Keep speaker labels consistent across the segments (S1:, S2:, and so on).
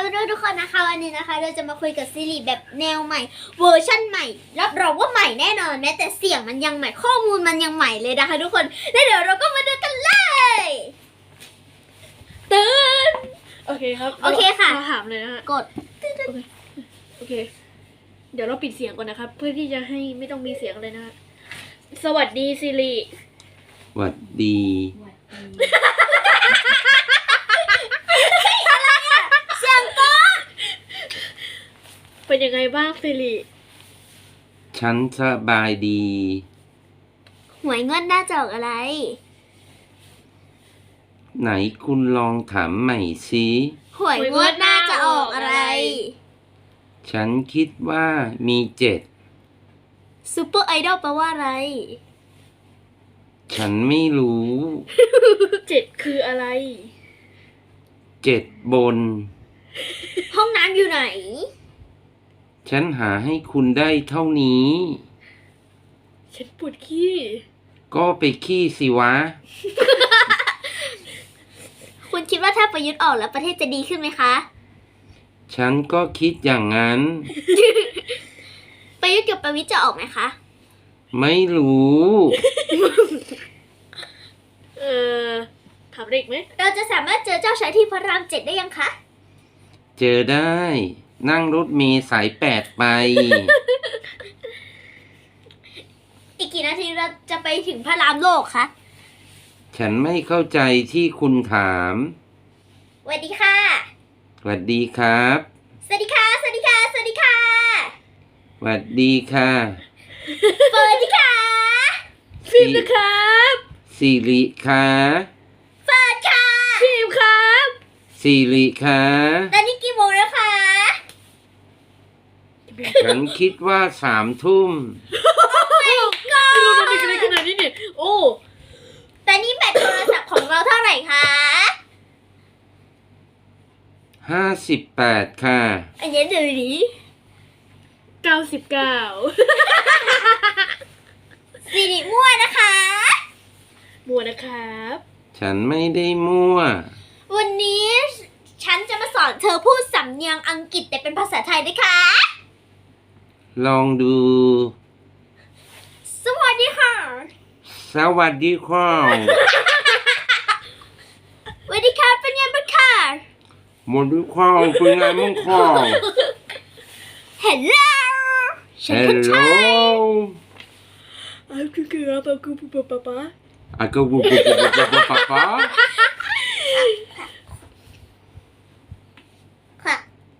S1: ด้วยทุกคนนะคะวันนี้นะคะเราจะมาคุยกับซีรีส์แบบแนวใหม่เวอร์ชั่นใหม่รับรองว่าใหม่แน่นอนแม้แต่เสียงมันยังใหม่ข้อมูลมันยังใหม่เลยนะคะทุกคนแล้วเดี๋ยวเราก็มาดูกันเลยตื่น
S2: โอเคครับ
S1: โอเคค่ะ
S2: เราถามเลยนะฮะ
S1: กด
S2: โอเค เดี๋ยวเราปิดเสียงก่อนนะครับ เพื่อที่จะให้ไม่ต้องมีเสียงเลยนะฮะสวัสดีซิริ
S3: หวัดดี
S1: เสียงกด
S2: เป็นยังไงบ้างซิริ
S3: ฉันสบายดี
S1: หวยงวดหน้าจะออกอะไร
S3: ไหนคุณลองถามใหม่สิ
S1: หวยงวดหน้าจะออกอะไร
S3: ฉันคิดว่ามี7
S1: ซูเปอร์ไอดอลแปลว่าอะไร
S3: ฉันไม่รู้
S2: 7คืออะไร
S3: 7บน
S1: ห้องน้ำอยู่ไหน
S3: ฉันหาให้คุณได้เท่านี้
S2: ฉันปวดขี้
S3: ก็ไปขี้สิวะ
S1: คุณคิดว่าถ้าประยุทธ์ออกแล้วประเทศจะดีขึ้นไหมคะ
S3: ฉันก็คิดอย่างนั้น
S1: ประยุทธ์กับประวิตรจะออกไหมคะ
S3: ไม่รู้
S2: ถามเด็กไหม
S1: เราจะสามารถเจอเจ้าชายที่พระราม7ได้ยังคะ
S3: เจอได้ นั่งรถเมล์สาย8ไป
S1: อีกกี่นาทีเราจะไปถึงพระรามโลกคะ
S3: ฉันไม่เข้าใจที่คุณถาม
S1: สวัสดีค่ะ
S3: สวัสดีครับ
S1: สวัสดีค่ะ สวัสดีค่ะ สวัสดีค่ะ
S3: สวัสดีค่ะ
S1: สวัสดีค่ะ
S2: ฟิล์มนะครับ
S3: สิริค่ะ
S1: เฟิร์นค่ะ
S2: ฟิล์มครับ
S3: สิริค่ะ
S1: ตอนนี้กี่โมงแล้วคะ
S3: ฉันคิดว่า3 ทุ่ม
S2: ดูมันดีกันขนาดนี้เนี่ยโอ้
S1: ตอนนี้แบตโทรศัพท์ของเราเท่าไหร่คะ
S3: 58 ค่ะ
S1: อันนี้ดูดิ
S2: 99
S1: สิริมั่วนะคะ
S2: มัวนะครับ
S3: ฉันไม่ได้มั่ว
S1: วันนี้ฉันจะมาสอนเธอพูดสำเนียงอังกฤษแต่เป็นภาษาไทยนะคะ
S3: ลองดู
S1: สวัสดีค่ะ
S3: สวัสดีครับ
S1: สวัสดีค่ะเป็นยังไงบ้างคะ
S3: หมดด้วยข้าวเป็นไงมั่งข้าว
S1: Hello ฉันคนไทย
S2: อ้าวคือครับอ้าวคือป๊าป๊า
S3: อากูบุบบุบบุบบุบป๊าป๊า
S1: ค่ะ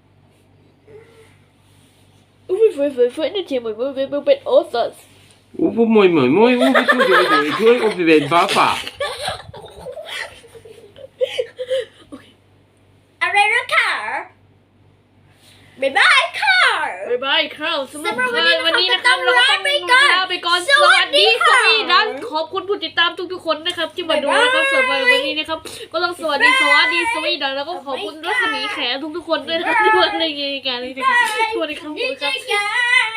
S2: อุ้ยเฟ้ยนี่เทียมเหมือนเป็นโอซัส
S3: อู้ผู้มวยเหมือนมวยอู้ผู้ช่วยช่วยอู้เป็นป้าป้า
S1: อะไรนะค่ะบ๊ายบายค่ะ
S2: บ๊ายบายครับสำหรับ
S1: สำหรับวันนี้นะคะ
S2: เราก็ต้อง
S1: ลาไปก่อน
S2: ลาไปก่อน
S1: สวัสดีค่ะ
S2: นั้นขอบคุณผู้ติดตามทุกๆคนนะครับที่มาดูนะครับสำหรับวันนี้นะครับก็ต้องสวัสดีดังแล้วก็ขอบคุณรัศมีแขทุกๆคนด้วยนะครับที่มาในรายการนี้นะครับสวัสดีครับ
S1: นี่จะยัง